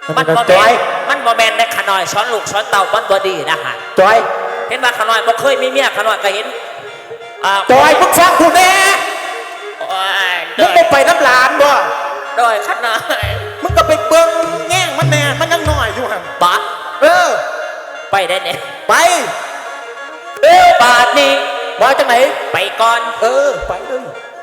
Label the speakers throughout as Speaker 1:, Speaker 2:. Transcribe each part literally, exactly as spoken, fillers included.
Speaker 1: มันบ่แมนมันบ่แมนในขน่อยช้อนลูกช้อนเต่าบ้านบ่ดีนะฮะ
Speaker 2: จอย
Speaker 1: เห็นว่าขน่อยบ่เคยมีเมียขน่อยก็เห็น
Speaker 2: จอยมึงฟังกูแน่มึงไปน้ำหลานบ่
Speaker 1: โดยขน่อย
Speaker 2: มึงก็ไปเบิ่งแง่งมันแน่มันยังน้อยอยู่หัน
Speaker 1: ปะ
Speaker 2: เออ
Speaker 1: ไปได้เนี่ย
Speaker 2: ไป
Speaker 1: เออบาทนี้
Speaker 2: มาจากไหน
Speaker 1: ไปก่อน
Speaker 2: เออไปเลย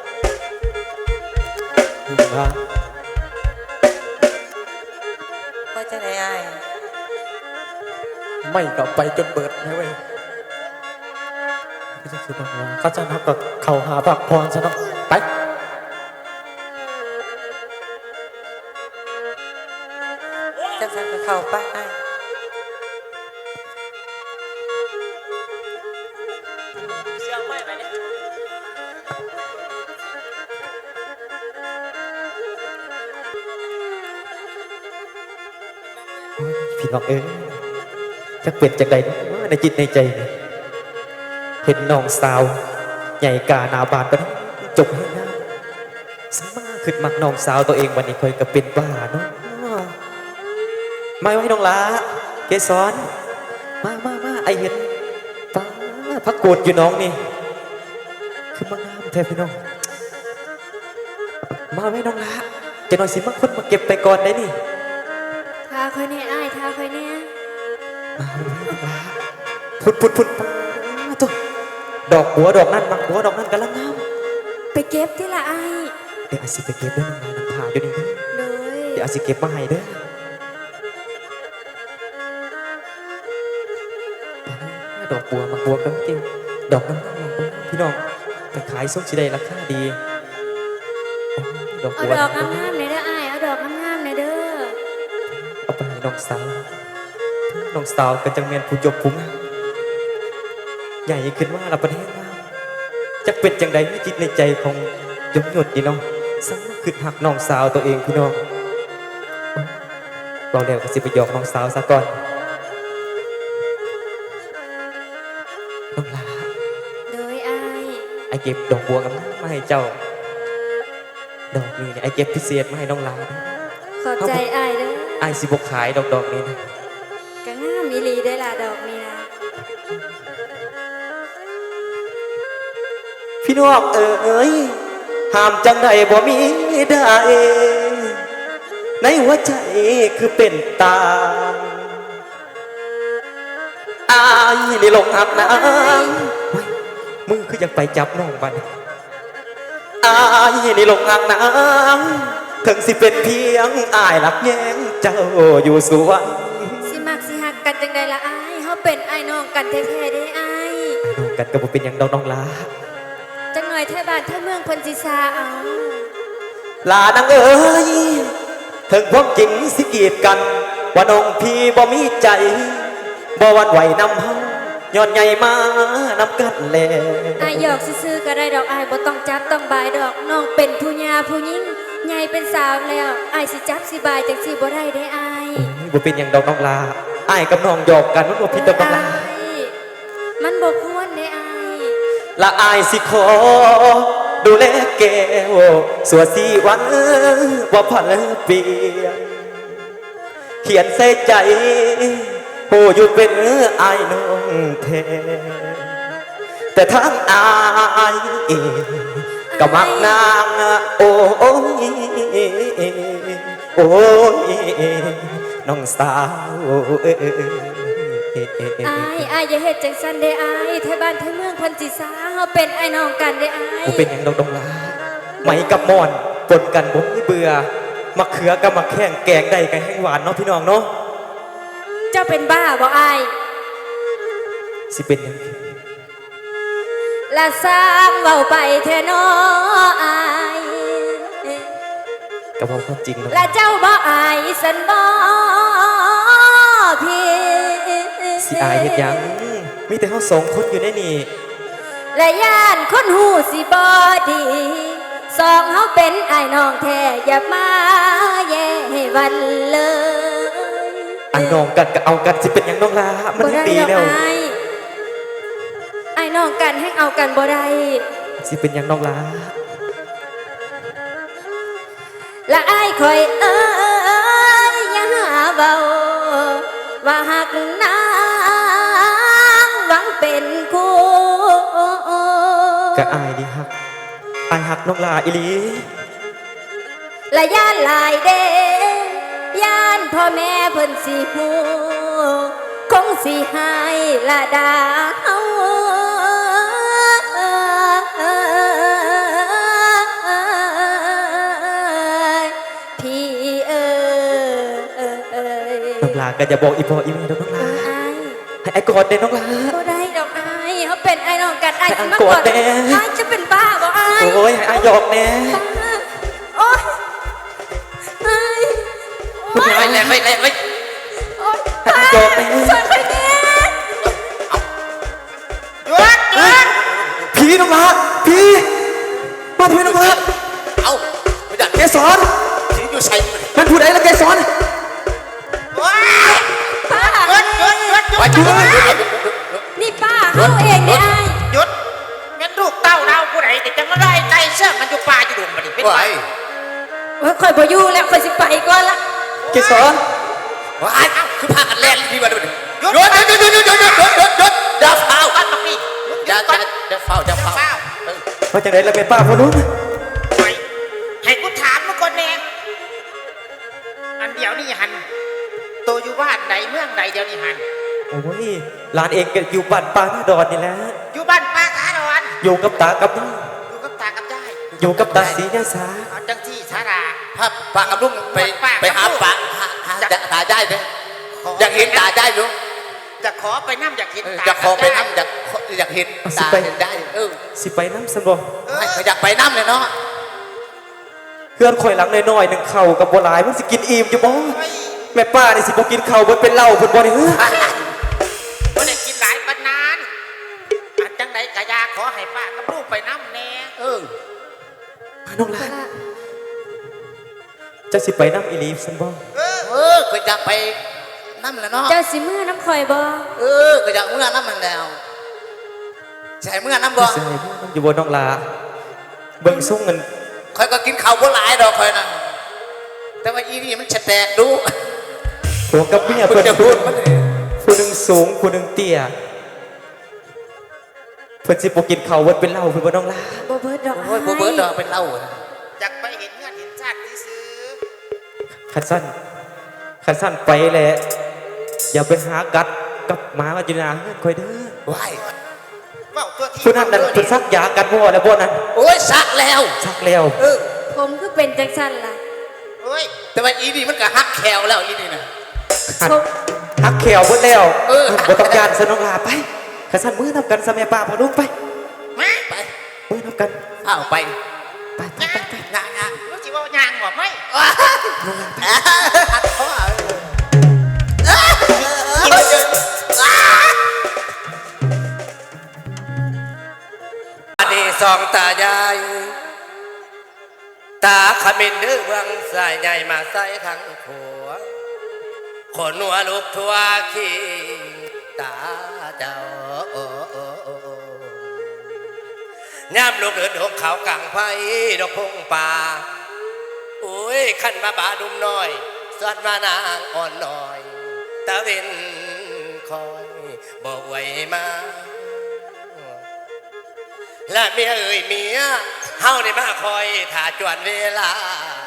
Speaker 3: ก็จะได้ไอ้
Speaker 2: ไม่กลับไปจนเบิดนะเว้ยก็จะคิดว่าเขาจะนับกับเขาหาพักพรซะเนาะไป
Speaker 3: จะสั่งกับเขาไปไอ้
Speaker 1: เสียงไม่ไปเนี่ย
Speaker 2: พี่น้องเอ้ยจะเปลี่ยนจากใดในจิตในใจเห็นน้องสาวใหญ่กาหนาบานไปจบให้งามสมาขึ้นมักน้องสาวตัวเองวันนี้เคยกับเป็นบ้าเนาะไม่ไว้น้องละเกสรมามามาไอเห็นป้าพักโกดอยู่น้องนี่คือมางามแท้พี่น้องมาไว้น้องละจะหน่อยสิมาคนมาเก็บไปก่อนได้นี่
Speaker 3: ท้าคอยเนี่ยไอ้ท้าคอยเนี่ย
Speaker 2: มาไว้น้องละพุดพุดพุดตัวดอกหัวดอกนั่นมักหัวดอกนั่นกันละงาม
Speaker 3: ไปเก็บที่ละไอ้
Speaker 2: เดี๋ยวอาสิไปเก็บด้วยน้องละน้ำผ่าอยู่นี่เด้อเดี๋ยวอาสิเก็บมาให้เด้อดอกบัวมักบัวก็จริงดอกน้ำน้ำพี่น้องไปขายส้มสีแดงราคาดี
Speaker 3: ดอกบัวเอาดอกงามๆเลยเด้อไอ้เอาดอกงามๆเลยเด้อ
Speaker 2: เอาไปให้น้องสาวน้องสาวก็จังเมียนผู้ยกผู้งามใหญ่ขึ้นว่าเราประเทศงามจะเป็นจังใดไม่จิตในใจของยมหยดดีน้องสังขึ้นหักน้องสาวตัวเองพี่น้องเราเดี๋ยวก็สิไปหยอกน้องสาวซะก่อนน้องลา
Speaker 3: โดยไอ้
Speaker 2: ไอเก็บดอกบัวกับมาให้เจ้าดอกนี้เนี่ยไอเก็บพิเศษมาให้น้องลา
Speaker 3: ขอบใจไอ้เด้อ
Speaker 2: ไอสิบกขายดอกดอกนี้นะ
Speaker 3: ก็งามมีลีได้ละดอกนี้นะ
Speaker 2: พี่น้องเอ๋ยห้ามจังใดบ่มีได้ในหัวใจคือเป็นตาอายนี่ลงหักน้ำมึงคืออยากไปจับน้องบ้านอายนี่ลงหักน้ำถึงสิเป็นเพียงอายหลักแย้งเจ้าอยู่สวน
Speaker 3: สิมักสิหักกันจังใดละอายเขาเป็นไอ้น้องกันแท้ๆได้อาย
Speaker 2: น้องกันก็บ่เป็นอย่างดอกน้องลา
Speaker 3: จังหน่อยแท้บ้านแท้เมืองคนสิซาเอา
Speaker 2: ลานางเอ๋ยถึงพวกจริงสิกีดกันว่าน้องพี่บ่มีใจบ่วันไหวนำเฮาย้อนใหญ่มานำกันแล
Speaker 3: อายหยอกซื่อๆก็ได้ดอกอายบ่ต้องจับต้องบายดอกน้องเป็นผู้หญิงผู้หญิงใหญ่เป็นสาวแล้วอายสิจับสิบายจังสิบ่ได้ได้อาย
Speaker 2: บ่เป็นอย่างดอกน้องลาอายกับน้องหยอกกันมันบ่ผิดดอกน้องลา
Speaker 3: มันบ่ควรได้อาย
Speaker 2: ละอายสิขอดูแลแก้วสัวสีวันว่าพันเปลี่ยนเขียนใส่ใจโอ้อยู่เป็นอายน้องแท้แต่ทั้งอายก็มักนางโอ้ยโอ้ยน้องสาว
Speaker 3: อายอายอย่าเฮ็ดจังซั่นเด้อายไทบ้านไทเมืองเพิ่นสิซาเฮาเป็นไอ้น้องกันเด้ออาย
Speaker 2: กูเป็นหยังดอกดงลาไหมกับมอนปนกันบ่มีเบื่อมะเขือกับมะแข้งแกงได้กันแห้งหวานเนาะพี่น้องเนาะ
Speaker 3: เจ้าเป็นบ้าบ่อาย
Speaker 2: สิเป็นยัง
Speaker 3: ละสร้างเว้าไปแท้น้ออาย
Speaker 2: ก็บอกความจริง
Speaker 3: ละเจ้าบ่อายสันบ่พี่
Speaker 2: สิอายเฮ็ดยังมีแต่เฮาสองคนอยู่ในนี่
Speaker 3: และย่านคนหูสิบ่ดีสองเฮาเป็นไอ้น้องแท้อย่ามาแย่ให้วันเลย
Speaker 2: ไอ้น้องกันก็เอากันสิเป็นหยังน้องลามันดีแล้ว
Speaker 3: ไอ้น้องกันให้เอากันบ่ได้
Speaker 2: สิเป็นหยังน้องลา
Speaker 3: ละไอ้คอยเอ้ยอย่าหาว่าว่าหักนางหวังเป็นคู่
Speaker 2: กะอายดีฮักอายฮักน้องลาอีหลี
Speaker 3: และย่านหลายเดย่านพ่อแม่เพิ่นสิหูคงสิหายละดาเฮาพี่เอ๋ย
Speaker 2: น้องลาก็จะบอกอีพ่ออีแม่เด้อน้องลา
Speaker 3: อาย
Speaker 2: ให้ไอ้กอดเด้อน้องลา
Speaker 3: บ่ได้ดอกอายเขาเป็นไอ้น้องกันไอ้สิมา
Speaker 2: โกร
Speaker 3: ก
Speaker 2: ธ
Speaker 3: อด
Speaker 2: แน่
Speaker 3: อายจะเป็นบ้าบ่อาย
Speaker 2: โอ้ยให้อายหยอกแน่
Speaker 3: โอ๊ยอาย
Speaker 2: น้องลา
Speaker 1: ไม่เลยไม่เลยไม่
Speaker 3: โอ๊ย
Speaker 2: ให้อายหยอกแน่
Speaker 3: ช่วยใครเนี่ย
Speaker 1: หยุดหยุด
Speaker 2: พี่น้องลาพี่มาทำไมน้องลา
Speaker 1: เอาไม่ได้
Speaker 2: เกสร
Speaker 1: ที่อยู่ใส่มัน
Speaker 2: มันพูดอะไรละเกสร
Speaker 1: ว้าย
Speaker 3: ป้า
Speaker 1: หยุดหยุดหยุดหยุด
Speaker 2: ไปดู
Speaker 3: นี่ป้าเขาเองเนี่ยไอ้
Speaker 1: หยุดงั้นลูกเต้าเราผู้ใดแต่จะมาไล่ไก่เสื้อมันอยู่ป่าอยู่ดุมมันนี่เป็นไง
Speaker 3: เฮ้ยคอยพอยู่แล้วคอยสิไปก่อนละ
Speaker 2: เกสร
Speaker 1: ว้ายเอ้าคือพากันแล่นดีกว่าดูดิหยุดหยุดหยุดหยุดหยุดหยุดหยุดหยุดหยุดอย่าเฝ้ากันตรงนี้อย่าอย่าอย่าเฝ้าอย่าเฝ้า
Speaker 2: มาจากไหนละแม่ป้าพ่อนุ่น
Speaker 1: ไปให้กูถามมึงก่อนแน่อันเดียวนี่หันโตอยู่บ้านใดเมืองใดเดียวนี่หัน
Speaker 2: โอ้ยหลานเองก็อยู่บ้านป้าหน้าดอนนี่แหละ
Speaker 1: อยู่บ้านป้าขาดอน
Speaker 2: อยู่กับตากับน้า
Speaker 1: อยู่กับตากับยาย
Speaker 2: อยู่กับตาสียาสา
Speaker 1: เอาจังที่สารา
Speaker 4: ภาพปากกับลุงไป
Speaker 1: ปากกับ
Speaker 4: ไปหา
Speaker 1: ลุง
Speaker 4: ปากหาหาตาได้ไหมอยากเห็นตาได้ลุง
Speaker 1: จะขอไปน้ำอยากเห็น
Speaker 4: เออ
Speaker 1: ตา
Speaker 4: อยากขอไป
Speaker 1: กับยาย
Speaker 4: น้ำอยากอยากเห็นตาเห็นได้เออ
Speaker 2: สิไปน้ำสนบ่
Speaker 1: เออ
Speaker 4: ไม่อยากไปน้ำเลยเนาะ
Speaker 2: เพื่อนข่อยหลังน้อยๆหนึ่งเข่ากับบัวลายมันสิกินอิ่มอยู่บ่
Speaker 1: เฮ้ย
Speaker 2: แม่ป้านี่สิบ่กินเข่าเบิดเป็นเหล้าเพิ่นบ่ได้เฮ้อ
Speaker 1: บ่ได้กินหลายปานนานอันจังใดกะยาขอให้ป้ากับลูกไปน้ำแน่
Speaker 4: เออ
Speaker 2: น้องลาจะสิไปน้ำอีหลีสนบ่
Speaker 1: เออ
Speaker 4: เออก็อยากไปน้ำเลยเนาะ
Speaker 3: เจ้าสิมือน้ำคอยบ่
Speaker 4: เออก็อยากเมื่อน้ำมันแล้วใช่เมื่อน้ำบ่
Speaker 2: สิให้มันอยู่บ่น้องลาเบิ่งส่งเงิน
Speaker 4: คอยก็กินข้าวบ่หลายดอกคอยนั่นแต่ว่าอีนี่มันจะแตกดู
Speaker 2: ผัวกับเมีย
Speaker 4: เพิ่
Speaker 2: เพิ่
Speaker 4: ง
Speaker 2: น
Speaker 4: จะพูดมัน
Speaker 2: ผู้หนึงสูงผู้หนึงเตี้ยเพิ่นสิบ่กินข้าวเบิดเป็นเหล้าเพิ่นบ่น้องลา
Speaker 3: บ่เบิดดอก
Speaker 4: โอ้ยโบเบิร์ดดอกเป็นเหล้า
Speaker 1: อยากไปเห็นเงื่อนเห็นชาติที่ซื้อ
Speaker 2: คันสั้นคันสั้นไปแหละอย่าไปหากัดกับหมามาอยู่หนาเฮือนข่อยเด้อ
Speaker 4: ว้าย
Speaker 1: ว่าตัวที่
Speaker 2: ผู้นั้นนั่นเพิ่นซักยากันบ่แล้วบ่นั่น
Speaker 4: โอ้ยสักแล้ว
Speaker 2: ซักแล้ว
Speaker 4: เออ
Speaker 3: ผมคือเป็นจังสันล่ะ
Speaker 1: เฮ้ย
Speaker 4: แต่ว่าอีนี่มันก็ฮักแควแล้วอีนี่นะ
Speaker 2: หัก
Speaker 3: ผม
Speaker 2: หักแขวเบิดแล้ว
Speaker 4: เออ
Speaker 2: บ่ต้องการสนองลาไปคันสั้นมื้อนํกันซะแม่ป้าพ่อลุงไป
Speaker 1: มา
Speaker 4: ไป
Speaker 2: มื้อนํกัน
Speaker 4: เอาไป
Speaker 2: ไปไปไปไป
Speaker 4: งางาง
Speaker 1: รู้จิว่ายางบ่ไหม
Speaker 4: หักคอ
Speaker 5: อันนี้สองตายายตาขมิ้นดื้อเบื้องสายใหญ่มาใส่ทั้งผัวขนหัวลูกทั่วขี้ตาเจ้าย่ำลูกเดินหงเขากลางไผ่ดอกพงป่าโอ้ยขันมาบาดุมน้อยสวัดมานางอ่อนน้อยตะเวนคอยบอกไว้มา และเมียเอ่ยเมียเฮานี่มาคอยถ่าจวนเวลา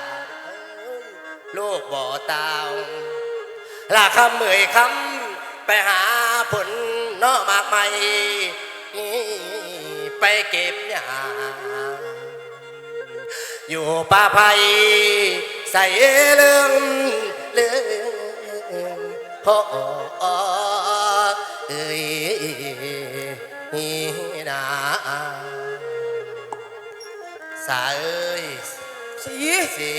Speaker 5: ลูกบ่อตาวลาคำเมื่อยคำไปหาผลนอมากใหม่ไปเก็บหญ้าอยู่ป่าไผ่ใส่เรื่องเรื่องพ่อเอ้ยนาสาเอ้ยสีสี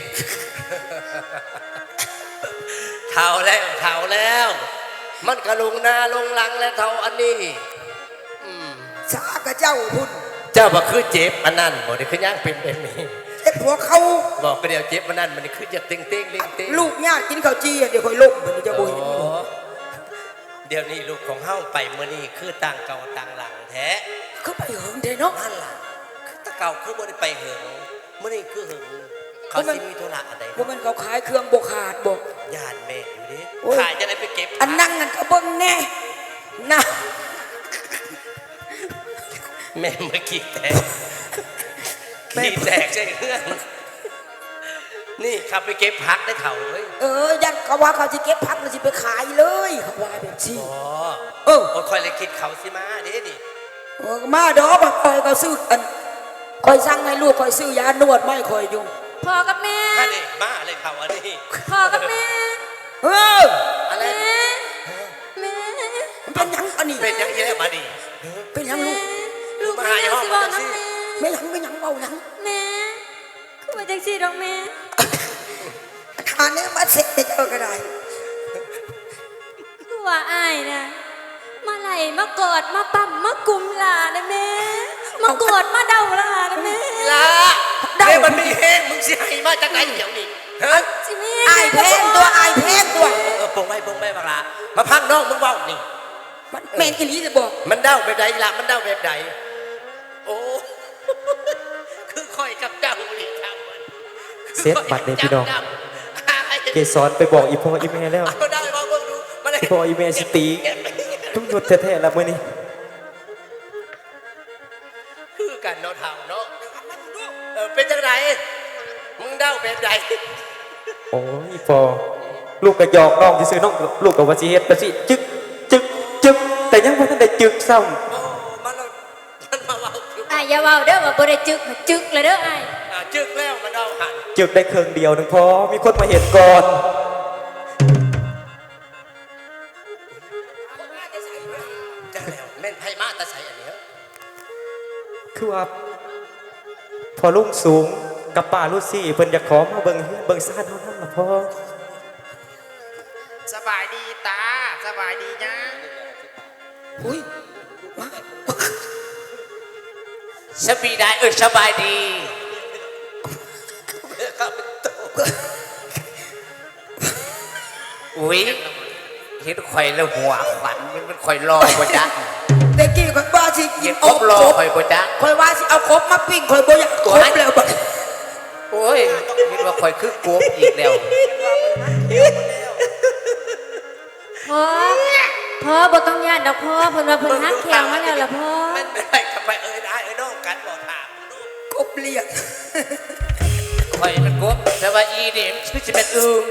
Speaker 5: เท่าแล้วเท่าแล้ว มันกระลุงหน้าลงหลังและเท่าอันนี้อืม
Speaker 6: สากระเจ้าพุ่น
Speaker 5: เจ้าบอกคือเจ็บอันนั้นบอกได้คือย่างเป็นเป็นนี้
Speaker 6: ไอ้ผัวเขา
Speaker 5: บอกก็เดียวเจ็บอันนั้นมันคือจะเต็งเต็งเต็งเต็ง
Speaker 6: ลูกญาติกินข้าวจีอะเดี๋ยวคอยล่มมันจะบุย
Speaker 5: โอ้เดี๋ยวนี้ลูกของเฮาไปเมื่อนี้คือต่างเก่าต่างหลังแท้
Speaker 6: เขาไปเหิงเด้เนาะ
Speaker 5: นั่นล่ะคือแตะเก่าคือบ่ได้ไปเหิงเมื่อนี้คือเหิงเขาสิมีธุระอะไร
Speaker 6: ว่ามันเขาขายเครื่องบกขาดบอก
Speaker 5: ญาติแม่อยู่ดิ
Speaker 6: โอ้ย
Speaker 5: ขายจะได้ไปเก็บ
Speaker 6: อันนั้นแน่นะ
Speaker 5: แม่เมื่อกี้แตกขี้แตกใช่เรื่องนี่ขับไปเก็บพักได้เถ่าเฮ้ย
Speaker 6: เออยันเขาว่าเขาจะเก็บพักมันจะไปขายเลยเขาว่าแบบนี้
Speaker 5: อ๋อ
Speaker 6: เออ
Speaker 5: โอ้ยคอยเลยคิดเขาสิมาเด้นี่
Speaker 6: เออมาดอกมาคอยก็ซื้ออันคอยสั่งให้ลูกคอยซื้อยานวดไม่คอยอยู่
Speaker 3: พ่อกับแม่
Speaker 5: ถ้าเด็กมาเลยเขาอันนี้
Speaker 3: พ่อกับแม่
Speaker 6: เออ
Speaker 5: อะไร
Speaker 3: แม่แม่
Speaker 6: มันเป็นหยังอันนี้
Speaker 5: เป็นอยังไงมาดิ
Speaker 6: เป็นหยังลูก
Speaker 3: ลูก
Speaker 5: มา
Speaker 3: แม่
Speaker 5: หา
Speaker 3: ยัง
Speaker 5: ห้อง
Speaker 3: สิ
Speaker 5: มา
Speaker 3: บอก
Speaker 5: จัง
Speaker 3: น้ำ
Speaker 5: สิ
Speaker 3: แม่
Speaker 6: ไม่หยังไม่หยังเบาหยัง
Speaker 3: แม่คือมาจังซี่ดอกแม่
Speaker 6: ทานเนี้ยมาเสร็จเจอก็ได้
Speaker 3: คือว่าอายนะมาไหลมากอดมาปั๊มมากุมหลานะแม่มากอดมาเดาหลานะแม่
Speaker 5: ละเด้มันมีแห้งมึงสิให้มาจากไหนเดี๋ยวนี้ฮะ
Speaker 3: สิแม่
Speaker 6: อายแพงตัวอายแพงตัว
Speaker 5: เออปงไม่ปงไม่บักละมาพังน้องมึงเว้านี่
Speaker 6: มันแมนกิลีจะบอก
Speaker 5: มันเด้าแบบใดละมันเด้าแบบใดโอ้ คือคอยกับเจ้านี่ทำมัน
Speaker 2: เซฟบัตรเลยพี่น้องเกสรไปบอกอีพ่ออีแม่แล้ว
Speaker 5: เอาได้มาเบิ่งดูมาเลย
Speaker 2: อีพ่ออีแม่สิตีทุกหยุดแท้ๆแล้วมื้อนี้
Speaker 5: คือกันเนาะเท่าเนาะเออเป็นจังไดมึงเด้าแบบใด
Speaker 2: โอ้ยอีพ่อลูกก็หยอกน้องซื่อๆน้องลูกก็ว่าสิเฮ็ดว่าสิจึกจึกจึกแต่ยังบ่ทันได้จึกซ้ำ
Speaker 5: โอ้มันเรามันมาเว้าคือ
Speaker 3: อายอย่าเว้าเด้อว่าบ่ได้จึกจึกเลยเด้ออาย
Speaker 5: อ่าจึกแล้วมันเด้าหัน
Speaker 2: จึกได้เครื่องเดียวหนึงพอมีคนมาเห็นก่อน
Speaker 5: จังแล้วแม่นไผมาแตะใส่อันเนี้ย
Speaker 2: คือว่าพอลุงสูงกับป้าลุซี่เพิ่นอยากขอมาเบิ่งเฮือนเบิ่งซ่านเฮานั่นล่ะพ่อ
Speaker 1: สบายดีตาสบายดีนะ
Speaker 6: อุ้ยมา
Speaker 5: สบายได้เออสบายดีอุ้ยเห็นข่อยแล้วหัวขวัญมันมันข่อยรอบ่จัก
Speaker 6: เด็กกี้คอยว่าสิกิ
Speaker 5: เห็
Speaker 6: น
Speaker 5: น
Speaker 6: อ
Speaker 5: คร
Speaker 6: บบ
Speaker 5: รอ
Speaker 6: ครบ
Speaker 5: ข่อยบ่จัก
Speaker 6: คอยว่าสิเอาครบมาปิ้งคอยบ่อยากครบแล้วบัด
Speaker 5: โอ้ยคิดว่าข่อยคือกบอีกแล้ว
Speaker 3: พ่อพ่อบ่ต้องย่านดอกพ่อเพิ่นว่าเพิ่นฮักแขงมาแล้วล่ะพ่อ
Speaker 5: มันไม่ได้กับไปเอ้ยได้เอ้ยน้องกันบอกถาม
Speaker 6: ครบเรียก
Speaker 5: ข่อยมันกบแต่ว่าอีนี่มันสิเป็นอึ่ง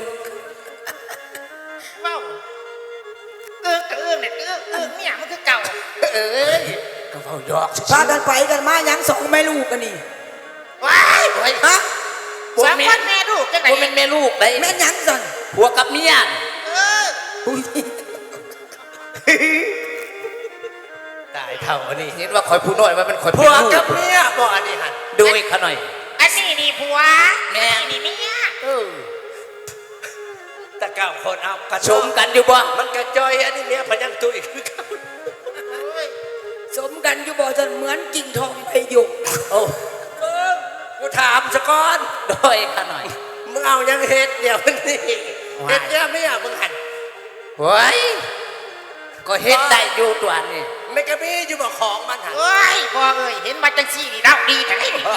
Speaker 1: เว้าเอื้องกับเอื้องเนี่ยเอื้องเอื้องเนี่ยมันคือเก่า
Speaker 5: เอ้ยก็เว้าหยอก
Speaker 6: พากันไปกันมาหยังสองแม่ลูกกันนี่
Speaker 1: ว้าย
Speaker 5: โอ้ย
Speaker 6: ฮะ
Speaker 1: สามคนแม่ลูกจังไหน
Speaker 5: บ่แม่นแม่ลูกได้
Speaker 6: แม่หยังสั่น
Speaker 5: ผัวกับเมีย
Speaker 1: เออ
Speaker 6: อุ้ย
Speaker 5: ตายเท่าอันนี้เห็นว่าข่อยผู้น้อยว่ามันข่อยผัวกับเมียบ่อันนี้หั่นดูอีกเขาหน่อย
Speaker 1: อันนี้นี่ผัว
Speaker 5: แม่
Speaker 1: อันนี้นี่เมีย
Speaker 5: เออแต่เก้าคนเอากระชมกันอยู่บ่มันกระจอยอันนี้เมียพยังตุยคือเขา
Speaker 1: โอ้ย
Speaker 6: สมกันอยู่บ่จะเหมือนกิ่งทองใบหยก
Speaker 5: โอ้เออกูถามสะก่อนโดยข้าหน่อยมึงเอายังเฮ็ดเดี๋ยวนี้เฮ็ดเนี่ยไม่อ่ะมึงหันเฮ้ยก็เฮ็ดได้อยู่ตัวนี่ไม่กระมีอยู่บ่ของมันหัน
Speaker 1: โอ้ยพ่อเอ้ยเห็นมาจังซี่นี่เล่าดีแต่ไอ้นี่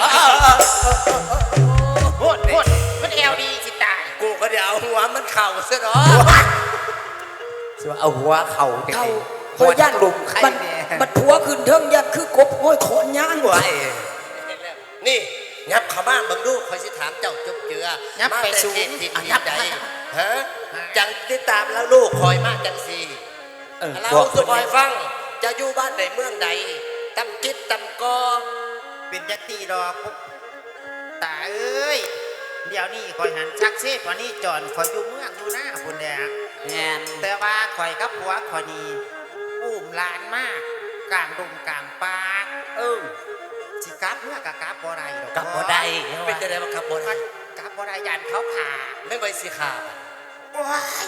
Speaker 1: โคตรโคตรมันแอลดีสิตาย
Speaker 5: กูก็เดี๋ยวเอาหัวมันเข่าซะเนาะสิว่าเอาหัวเข่าจัง
Speaker 6: เขา
Speaker 5: ไง
Speaker 6: คอยย่าน
Speaker 5: ลุมใคร
Speaker 6: มัน
Speaker 5: เนี่ย
Speaker 6: มันผัวขึ้นเทิงยันคือกบห้อยขอนย่าง
Speaker 5: ไว้นี่ยับเข้ามาเบิ่งดูคอยสิถามเจ้าจบเจือ
Speaker 1: ยับ
Speaker 5: มา
Speaker 1: ไป
Speaker 5: แต่
Speaker 1: สูง
Speaker 5: เขตที่
Speaker 1: อ่ะ
Speaker 5: ที่
Speaker 1: ยับ
Speaker 5: ใด
Speaker 1: ไป
Speaker 5: ฮะจังติดตามแล้วลูกคอยมาจังสี่เราสุคอยฟังจะอยู่บ้านไหนเมืองใดตำจิตตำกอ
Speaker 1: เป็นยักษ์ตีดอกปุ๊บตาเอ้ยเดี๋ยวนี้คอยหันชักเซฟวันนี้จอนคอยอยู่เมืองอยู่หน้าพุ่นแดง
Speaker 5: แงน
Speaker 1: แต่ว่าคอยกับผัวคอยนี่อุ้มหลานมากกลางดงกลางป่า
Speaker 5: เออ
Speaker 1: สิกลับเมื่อกับกลับบ่ได้ดอก
Speaker 5: กลับบ่ได้เป็นจะได้มากลับบ่ได้
Speaker 1: กลับบ่ได้ยานเขาผ่า
Speaker 5: ไม่ไปสิขาบ
Speaker 1: ว้าย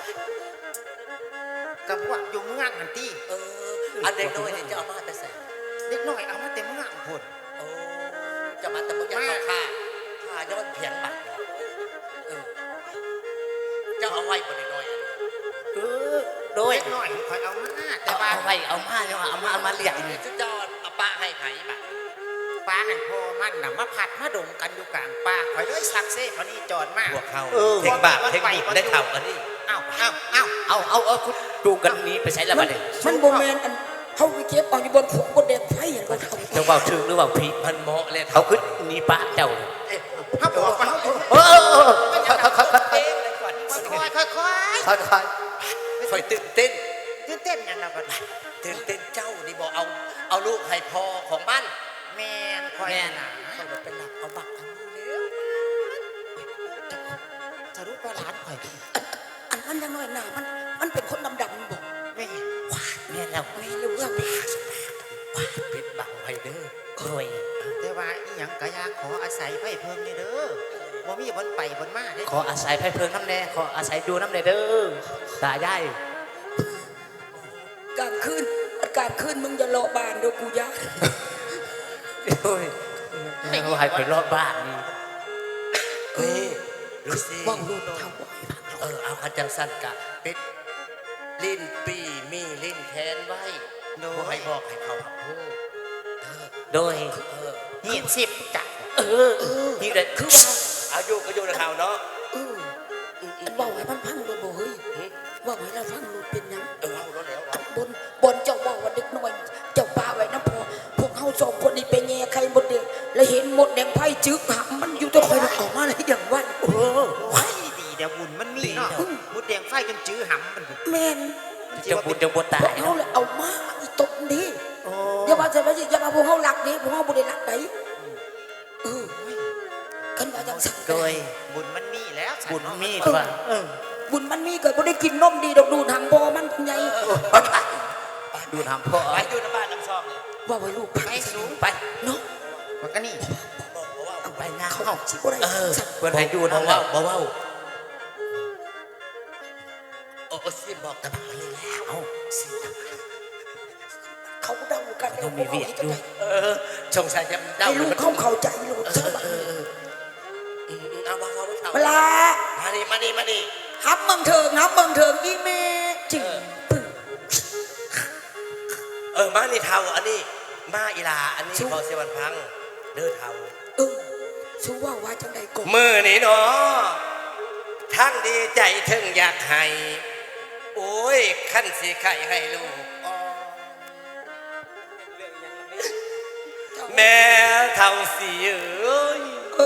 Speaker 1: กับพวกอยู่เมืองนั่นที่
Speaker 5: เอออันเด็กน้อยเนี่ยจะเอามาแต่ใส่
Speaker 1: เด็กน้อยเอามาเต็มเมืองพุ่น
Speaker 5: โอ้จะมาแต่มึงจะเข้าค่าค่าย้อนเพียงบัตรเออจะเอาไว้บ่ได้น้อย
Speaker 1: เออโดยเด็กน้อยคอยเอามาแต่ว่า
Speaker 5: เอาไว้เอามาเนี่ยเอามาเอามาเลี้ยงสุดยอดเอาปะให้ไผ่บัตร
Speaker 1: ป้าหันพ่อมันน่ะมาผัดมาดมกันอยู่กลางป่าคอยด้วยซักเซฟวันนี้จอนมาก
Speaker 5: พวกเขา
Speaker 1: เออ
Speaker 5: เทคบาปเทคบุญได้เข่ากันนี่
Speaker 1: เอ้าเอ้าเอ้า
Speaker 5: เอาเอาเอาคุณจูงกันหนี้ไปใช้ละ
Speaker 6: มั
Speaker 5: บั
Speaker 6: น
Speaker 5: ดนี้
Speaker 6: มันโบแมนอันเขาไปเก็บเอาอยู่บนผงบนแดงไฟอย่างเราทำ
Speaker 5: เจ้าเบาถึงหรือเปล่าพี่มันเหมาะเลยเขาขึ้นหนีปะเจ้า
Speaker 1: ถ้าบอกว่า
Speaker 5: เออเออเออค่อยค่อยค่อยค่อย
Speaker 1: ค่อยค่อยค่อย
Speaker 5: ค่อยค่อยค่อยตื่นเต้น
Speaker 1: ตื่นเต้นยังนะบัด
Speaker 5: ตื่นเต้นเจ้านี่บอกเอาเอาลูกให้พอของบ้าน
Speaker 1: แม่นค่อย
Speaker 5: แม่
Speaker 1: นะ
Speaker 5: เขาเป็นหลักเอาบักทำนี่แล้ว
Speaker 1: จะรู้ว่าหลานข่อย
Speaker 6: อันนั้นยังน้อยหนามันมันเป็นคนดำๆบอก
Speaker 1: แม่
Speaker 5: แม่แล้ว
Speaker 6: ไม่รู้เรื่อง
Speaker 5: ปิดบังไว้เด้อโอ้ย
Speaker 1: แต่ว่าอีหยังกะยาขออาศัยไฟเพิ่มนี่เด้อบ่มีบนไปบนมาเด้
Speaker 5: ขออาศัยไพ่เพิงน้ำแน่ขออาศัยดูน้ำแน่เด้อตายาย
Speaker 6: กลางคืนกลางคืนมึงอย่าโลบานเดี๋ยวกูยาก
Speaker 5: โอ้ยเอาให้ไปรอบบ้านนี่เฮ้ยรู้สิ
Speaker 6: ว่างรูดเท่าไหร่
Speaker 5: เออเอาคันจังสั้นกะปิดลิ้นปีมีลิ้นแทนไว้โดยให้บอกให้เขาหับพูดโดยเออ
Speaker 1: หีดสิบจัก
Speaker 5: เออนี่แหละคือว่าอายุก็อยู่ในข่าวเนาะ
Speaker 6: เอออันว่าไว้มันพังเลยบ่เฮ้ยว่าไว้เราฟังรูดเป็นยัง
Speaker 5: เออเอาแล้วแล้วเอา
Speaker 6: บนบนเจ้าว่าว่าเด็กน้อยเจ้าป่าไว้นะพอพวกเขาสองคนนี่ไปแง่ใครหมดเด็กแล้วเห็นหมดแดงไพ่จึกหามันอยู่ตัวคอยมันออกมาเลยอย่างว่าเออ
Speaker 1: ไว้ดีเดี๋ยวบุญมันมีเนาะมุดแดงไฟจนจื้อหำมัน
Speaker 6: แม่น
Speaker 5: จะบุญจะบุญตา
Speaker 6: พวย กเขาเลยเอามาอีตบนี้อย่ามาใส่ไปสิอย่ามาพวกเขาหลักนี้พวกเขาบุได้หลักไหนเออกันว่าจังสัง
Speaker 5: โดย
Speaker 1: บุญมันมีแล้ว
Speaker 5: บุญมีดว่า
Speaker 1: เออ
Speaker 6: บุญมันมีเกิดบุได้กินนมดีดอกดูทำพอมันเป็นไง
Speaker 5: ดูทำพ่อไปดูน้ำบ้านน้ำซองเลย
Speaker 6: ว่าไว้ลูก
Speaker 1: ไปสูง
Speaker 5: ไป
Speaker 6: เนาะ
Speaker 1: มันก็นี่
Speaker 6: เอาไปงานเขาสิบ่ได้
Speaker 5: เออ
Speaker 6: สั่ง
Speaker 5: เพื่อนให้ดูน้ำเบาเบาเบาโอ้สิบอกตะบังเลยแล้วเอาสิ
Speaker 6: เขาเดากันแล้ว
Speaker 5: เรามีเวียด
Speaker 6: ให้
Speaker 5: อยู่
Speaker 6: ใจ
Speaker 5: เออสงสัยจะเดา
Speaker 6: ให้ลูกเขาเข้าใจลูก
Speaker 5: เอ
Speaker 6: เจ้า
Speaker 5: อเออเออเอาเบาเบาเบา
Speaker 6: เวลา
Speaker 5: มาดิมาดิมาดิ
Speaker 6: ฮับเมืองเถิงฮับเมืองเถิงอีเมจริงปึ้ง
Speaker 5: เออมานี่เทาอันนี้มาอีลาอันนี้พอเสียวันพังเด้อเทา
Speaker 6: เออชูว่าว่าจังใดก่อน
Speaker 5: มือนี่เนาะทั้งดีใจถึงอยากให้โอ้ยขั้นสีไข่ให้ลูกอ่อนแม่เท่าสีเอ้ย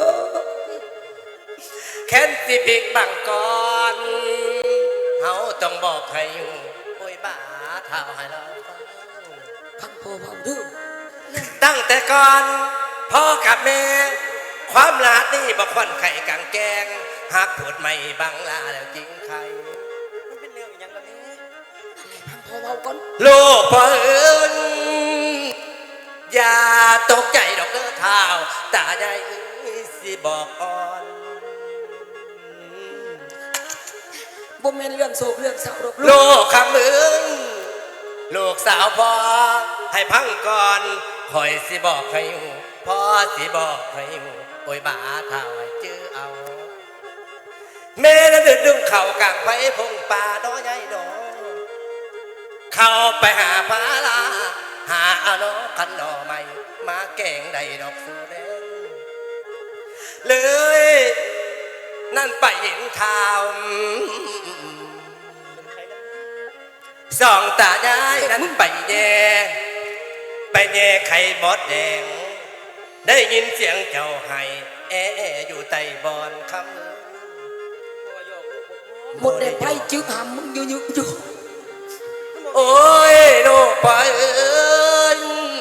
Speaker 5: แค้นสิพิกบังก่อนเฮาต้องบอกให้อยู่โอ้ยบ้าเท่าให้เราฟัง
Speaker 6: พังพอเบาเด้อ
Speaker 5: ตั้งแต่ก่อนพ่อกับแม่ความลาดนี่บอกควันไข่กังแกงหากปวดไม่บังลาแล้วจริงใคร
Speaker 6: พังพอเบาก่อน
Speaker 5: ลูกพ่อเอิญอย่าตกใจดอกเด้อเท้าตาใหญ่สิบอกอ่อน
Speaker 6: บ่แม่นเรื่องโศกเรื่องเศร้าดอกลู
Speaker 5: ลู
Speaker 6: ก
Speaker 5: กคำมึงลูกสาวพ่อให้พังก่อนคอยสิบอกให้หูพ่อสิบอกให้หูโอ้ยบ้าเท้าให้เจอเอาแม่นั้นเดินดึงเข่ากลางไฟพงป่าน้อยใหญ่ดอเข้าไปหาพาลาหาเอาน้อคันดอใหม่มาแกงใดดอกสูแดงเลยนั่นไปเห็นข่าวสองตายายนั้นไปแย่ไปแย่ไข่บอดแดงได้ยินเสียงเจ้าไห้แออยู่ใต้บอนคำ
Speaker 6: หมดแดงไพ่จึกหามมึงอยู่อยู่อยู่
Speaker 5: โอ้ยลูกพ่อเอ้ย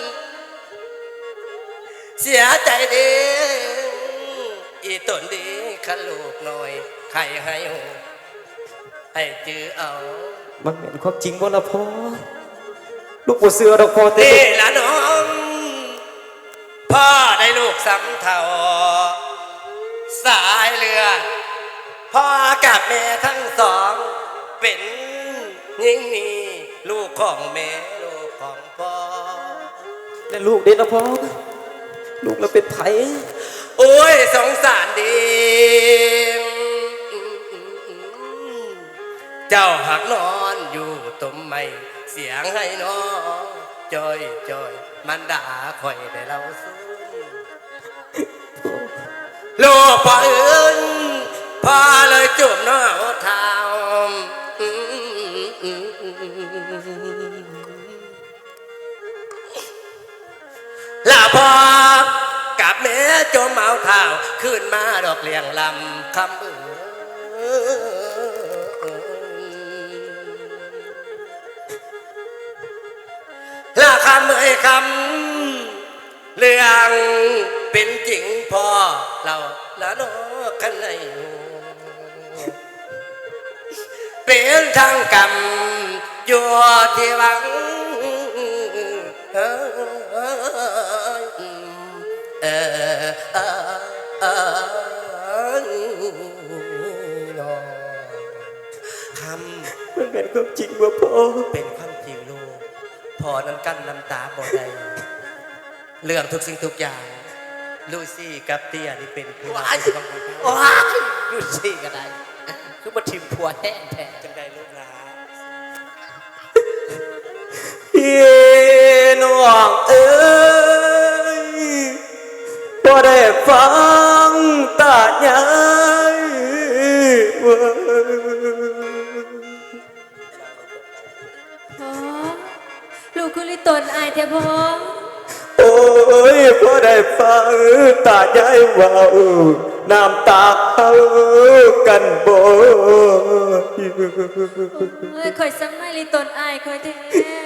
Speaker 5: เสียใจดีอีตนดีขันลูกหน่อยใครให้หูให้จื้อเอา
Speaker 2: มันเป็นความจริงบ่ละพ่อลูกบ่เสือดอกพ่อแต่
Speaker 5: นี่ละน้องพ่อได้ลูกสำเทาสายเลือดพ่อกับแม่ทั้งสองเป็นยิ่งนี่ลูกของแม่ลูกของพ่อ
Speaker 2: แต่ลูกเด็ดละพ่อลูกเราเป็นไผ
Speaker 5: โอ้ยสงสารดีเจ้าหักนอนอยู่ต้มไม่เสียงให้น้องจอยจอยมันด่าคอยแต่เราสู้ลูกพ่อเอิญพ่อเลยจุ่มน้องเท้าจมเอาเท้าขึ้นมาดอกเลียงลำคำเออลาคำเอ่ยคำเรื่องเป็นจริงพอเราละโนกันในเป็นทางกรรมอยู่ที่หวังเออเออเออเออคำ
Speaker 2: มันเป็นความจริงว่าพ่อ
Speaker 5: เป็นความจริงลูกพอนั้นกั้นน้ำตาบ่ได้เรื่องทุกสิ่งทุกอย่างลูซี่กับเตี้ยนี่เป็นผู้รักของพ่อ
Speaker 4: โอ้ยอยู่ซี่กันได้คือมาทิมผัวแห้งแท้
Speaker 5: จังได้ลูกหลาน
Speaker 2: พี่น้องเอ้ยพอได้ฟังตาใหญ่ว่า
Speaker 3: พ่อลูกคือลิตนอายแท้พ่อ
Speaker 2: โอ้ยพอได้ฟังตาใหญ่ว่าน้ำตาเขากันบ่
Speaker 3: เอ้ยคอยซ้ำไม่ลิตนอายคอยแท้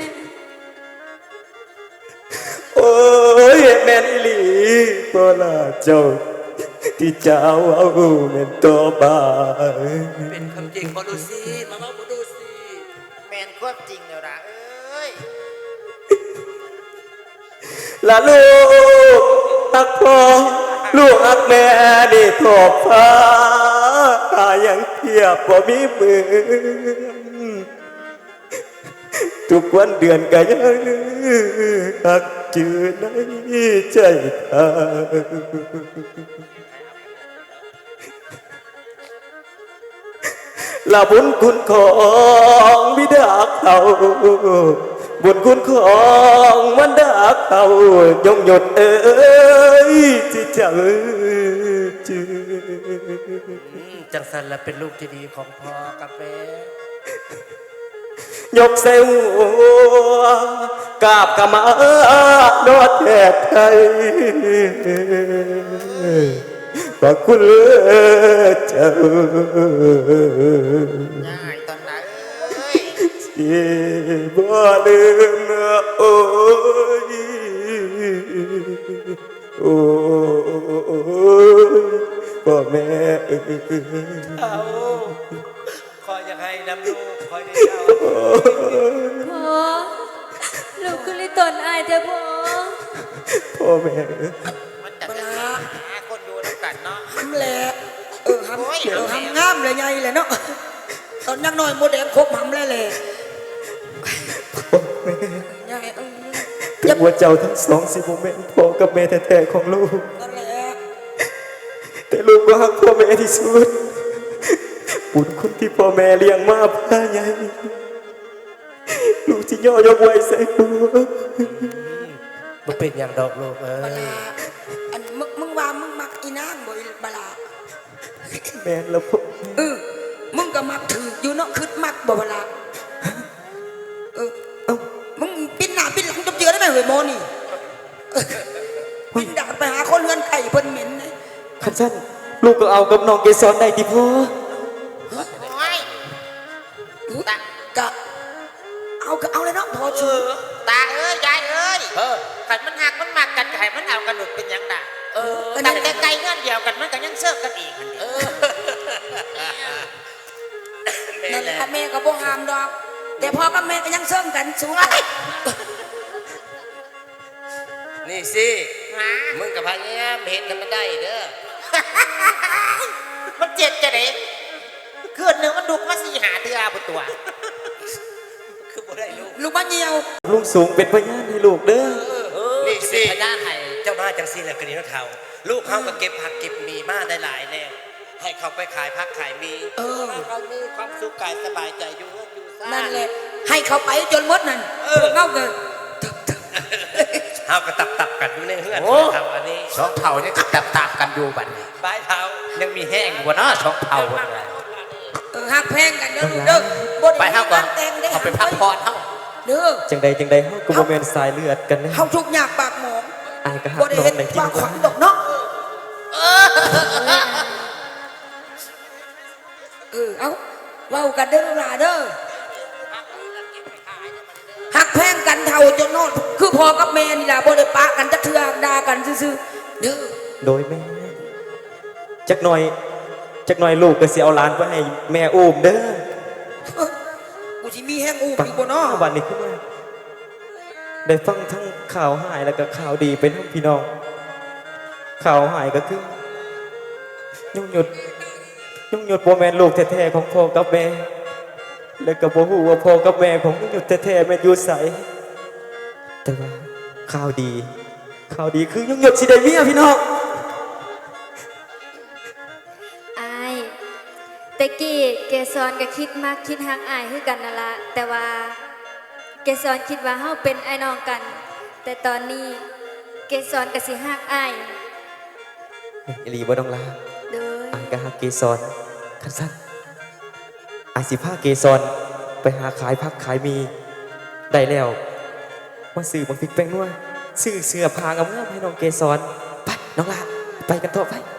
Speaker 2: โอ้ยแม่นอีหลีบ่ล่ะเจ้าที่เจ้าเอาแม่นตัวบ้า
Speaker 5: เป็นคำจริงบอลูซี่มาเมาบอลูซี่
Speaker 1: แมนควบจริงเดี๋ยวนะเอ้ย
Speaker 2: ละลูกฮักพ่อลูกฮักแม่ได้ทอบฟ้าตายังเทียบบ่มีมือทุกวันเดือนก็ยังฮักจือในใจเธอละบุญคุณของบิดาเขาบุญคุณของมันดาเขายงหยดเอ้ยที่เจ้าจือ
Speaker 5: จังสันละเป็นลูกที่ดีของพ่อกับแม่
Speaker 2: ยกเสหัวกราบกะมานอดแทบไทยขอบคุณเจ้า
Speaker 1: ง่ายตอนไหนเอ้ย
Speaker 2: ที่บ่ลืมโอ้ยโอ้ยพ่อแม่เอ้ย
Speaker 5: เอาคอยอยากให้นำลูกคอยได้เจ้า
Speaker 3: พ่อลูกคือลิตนอายแท้พ่อ
Speaker 2: พ่อแม่
Speaker 1: มันจะหาคนอยู่ด้วยกันเนาะ
Speaker 6: ทำแหละเออทำ
Speaker 1: โอ้ย
Speaker 6: เออทำงามเลยไงเลยเนาะตอนยังน้อยโมเดลครบทำแล้วเลยยายเออ
Speaker 2: ถึงว่าเจ้าทั้งสองสิบ่แม่นพ่อกับแม่แท้ๆของลูก
Speaker 6: นั่นแหละ
Speaker 2: แต่ลูกก็รักพ่อแม่ที่สุดบุญคุณที่พ่อแม่เลี้ยงมาพาใหญ่ลูกที่ย่อยกไว้ใส่หัว
Speaker 5: มันเป็นอย่างดอกลูกเอ้
Speaker 6: บาย ลาอันมึงมึงว่ามึงมักอีนางบ่อีบาลา
Speaker 2: แม่นแล้วพ่อ
Speaker 6: เออมึงก็มักถืออยู่เนาะคืดมักบ่บาลาเออ
Speaker 2: เอ้า
Speaker 6: มึงปิ้นหน้าปิ้นหลังจบเจือได้ไหมเฮ้ยโมนี่เออปิ้นดาดไปหาคนเฮือนไก่เพิ่นเหม็นเลย
Speaker 2: คันสั้นลูกก็เอากับน้องเกสรได้ที่พ่อ
Speaker 1: โอ้ย
Speaker 6: ตากะเอาก็เอาเลยเนาะพอ
Speaker 1: เอ
Speaker 6: ชู
Speaker 1: อตาเอ้ยยายเอ้ย
Speaker 5: เออ
Speaker 1: ขันมันหักมันมักกันไข่มันเอากันหลุดเป็นหยังด่า
Speaker 5: เออ
Speaker 1: ตั้งแต่ไกลเงื่อนเดียวกันมันก็ยังเสิร์ฟกันอีกอันเดียว
Speaker 5: แม่
Speaker 6: นั่น
Speaker 5: แห
Speaker 6: แห
Speaker 5: ละ
Speaker 6: ละแม่ก็บ่ห้ามดอก แต่พ่อกับแม่ก็ยังเสื่อมกันสูง
Speaker 5: นี่สิ
Speaker 1: หา
Speaker 5: มึงกับพายามเห็นทำมันได้เด้อ
Speaker 1: มันเจ็ดจะเด็กคืนหนึ่งมันดุกมาสี่หาเตือบุตัว
Speaker 5: คือบ่ได้ลูก
Speaker 6: ลูกบ้านเหี่ยว
Speaker 2: ลุงสูงเป็นพยานให้ลูกเด้อ
Speaker 5: นี่สิ
Speaker 1: พญาไทย
Speaker 5: เจ้ามาจังสิแหละกระดิ่งเท่าลูกเขาก็เก็บผักเก็บมีมาได้หลายแล้วให้เขาไปขายผักขายมี
Speaker 6: เออ
Speaker 5: เขามีความสุขกายสบายใจอยู่อยู่ซ่า
Speaker 6: นั่นแหละ ให้เขาไปจนหมดนั่นพวกเงาเกิน
Speaker 5: เฮาก็ตับตับๆกันอยู่ในเฮือน
Speaker 4: โอ้
Speaker 5: เท่าอันนี้
Speaker 4: สองเท่านี่ก็ตับตามกันอยู่บัดนี้
Speaker 5: บายเท้า
Speaker 4: ยังมีแห้งอยู่บ่เนาะสองเท่าเลย
Speaker 6: เออหักแพงกันเด้อลูกเด้อบ่
Speaker 4: ไป
Speaker 6: ได้
Speaker 4: เฮาก่อน
Speaker 6: แต่งได้
Speaker 4: เอาไปพักผ่อนเฮา
Speaker 6: เด้อ
Speaker 2: จังใดจังใดเฮาก็บ่แม่นสายเลือดกันนะ
Speaker 6: เฮาทุกข์ยากปากหมอง
Speaker 2: อายก็ฮั
Speaker 6: บ่
Speaker 2: ก
Speaker 6: ได้
Speaker 2: น้อง
Speaker 6: เห็น
Speaker 2: ในที่
Speaker 6: ว่าข
Speaker 2: ว่า
Speaker 6: วัญดอกเนาะเออเอาเว้ากันเด้อลูกหลานเด้อหักแพงกันเท่าจนนอนคือพ่อกับแม่นี่ล่ะบ่ได้ปะกันจักเทื่อด่ากันซื่อๆเด้อ
Speaker 2: โดยแม่จักหน่อยจักหน่อยลูกก็สิเอาหลานไปให้แม่อุ้มเด้อ
Speaker 6: กูสิมีแห้งอูอีกบ่เนาะ
Speaker 2: วันนี้ขึ้นมาได้ฟังทั้งข่าวหายแล้วก็ข่าวดีเป็นทั้งพี่น้องข่าวหายก็คือยุ่งหยุดยุ่งหยุดบ่แม่นลูกแท้ๆของพ่อกับแม่แล้วก็บ่ฮู้ว่าพ่อกับแม่ของยุ่งหยุดแท้ๆแม่นอยู่ไสแต่ว่าข่าวดีข่าวดีคือยุ่งหยุดสิได้เมียพี่น้อง
Speaker 3: อายแต่กี้เกสรก็คิดมากคิดหักอายคือกันนั่นละแต่ว่าเกสรคิดว่าเฮาเป็นไอ้น้องกัน แต่ตอนนี้เกสรก็สิหักอาย
Speaker 2: อีหลีบ่ต้องลา
Speaker 3: โดย
Speaker 2: อายก็ฮักเกสรคันสั้นอายสิพาเกสรไปหาขายผักขายมีได้แล้วมาซื้อบักพริกแป้งนัวซื้อเสื้อผ้างามๆให้น้องเกสรไปน้องลาไปกันต่อไป